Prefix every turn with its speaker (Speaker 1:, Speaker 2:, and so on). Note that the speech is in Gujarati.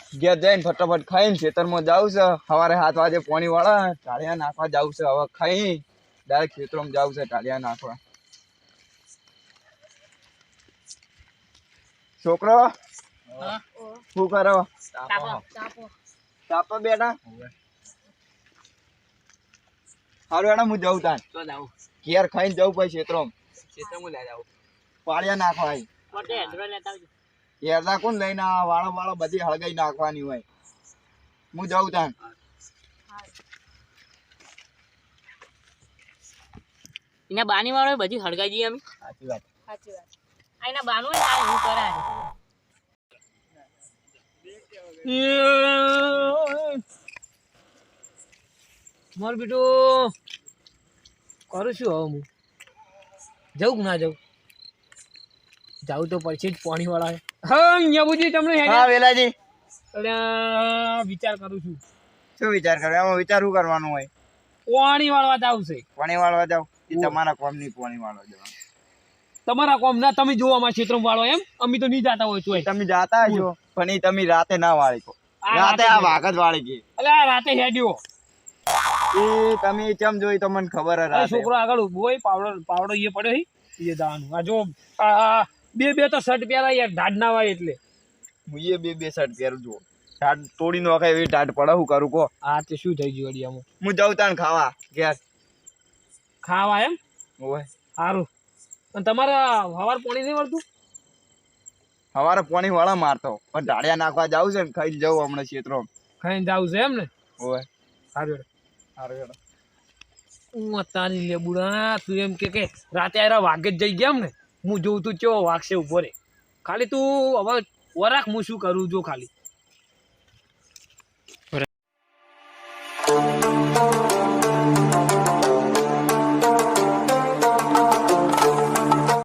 Speaker 1: ઘેર જઈને ફટાફટ ખાઈને ખેતરમાં જાવું છે. સવારે 7 વાગે પાણી વાળા ટાળિયા નાખવા જાવું છે. હવે ખાઈ ડાયરેક્ટ ખેતરમાં જાવું છે ટાળિયા નાખવા. છોકરો શું કરો? તાપો બેટા. હારું એના હું જઉં તાન ઘેર ખાઈને જવું પછી ખેતરમાં પાળિયા નાખવા. હેરદા કોણ લઈને વાળો બધી હળગાઈ નાખવાની હોય. હું જાઉં તાન.
Speaker 2: એના બાની વાળો બધી હળગાઈ જઈએ અમે.
Speaker 1: સાચી વાત.
Speaker 2: એના બાનું હું કરાય માર બેટો કરું છું. હવે હું જવું કે ના જવું? જાવું તો પડશે જ. પાણી વાળા હા યબુજી તમને
Speaker 1: હા વેલાજી
Speaker 2: વિચાર કરું છું.
Speaker 1: શું વિચાર કરો? એમાં વિચાર શું કરવાનું હોય?
Speaker 2: પાણી વાળવા જાવ છે.
Speaker 1: પાણી વાળવા જાવ? એ તમારા કોમ ની પાણી વાળવા જવાનું.
Speaker 2: તમારા કોમ ના તમે જોવા અમારા ક્ષેત્રમાં વાળો એમ? અમે તો નહીં જાતા હોય છો.
Speaker 1: તમે જાતા છો પણ એ તમે રાતે ના વાળી કો. રાતે આ વાઘ જ વાળી ગઈ.
Speaker 2: એટલે રાતે હેડ્યો
Speaker 1: એ તમે કેમ જોઈ તો મને ખબર જ.
Speaker 2: છોકરો આગળ ઉભો હોય પાવડો એ પડ્યો એ દાવાનું. આ જો આ બે તો શર્ટ પહેરા યાર ઢાડ ના વાય એટલે
Speaker 1: હું એ બે શર્ટ પહેરું છું. ઢાડ તોડી નો એવી ઢાડ પડે શું કરું કો?
Speaker 2: હા તે શું થઈ ગયું અડિયામાં?
Speaker 1: હું જાઉં તાન ખાવા ઘેર.
Speaker 2: ખાવા એમ?
Speaker 1: ઓય
Speaker 2: સારું. અને તમારા હવાર પાણી નહીં મળતું?
Speaker 1: સવારે પાણી વાળા મારતો પણ ઢાળિયા નાખવા જાવું છે ને ખાઈ જવું હમણાં ક્ષેત્રો
Speaker 2: ખાઈને જાવું છે એમ ને?
Speaker 1: ઓય
Speaker 2: સારું
Speaker 1: સારું.
Speaker 2: હું તારી લેબુડા તું એમ કે રાતે આયરા વાગે જ જઈ ગયા એમ ને? હું જોઉં તું કેવો વાગશે ઉભો રે. ખાલી તું હવે વરાખ હું શું કરું જો ખાલી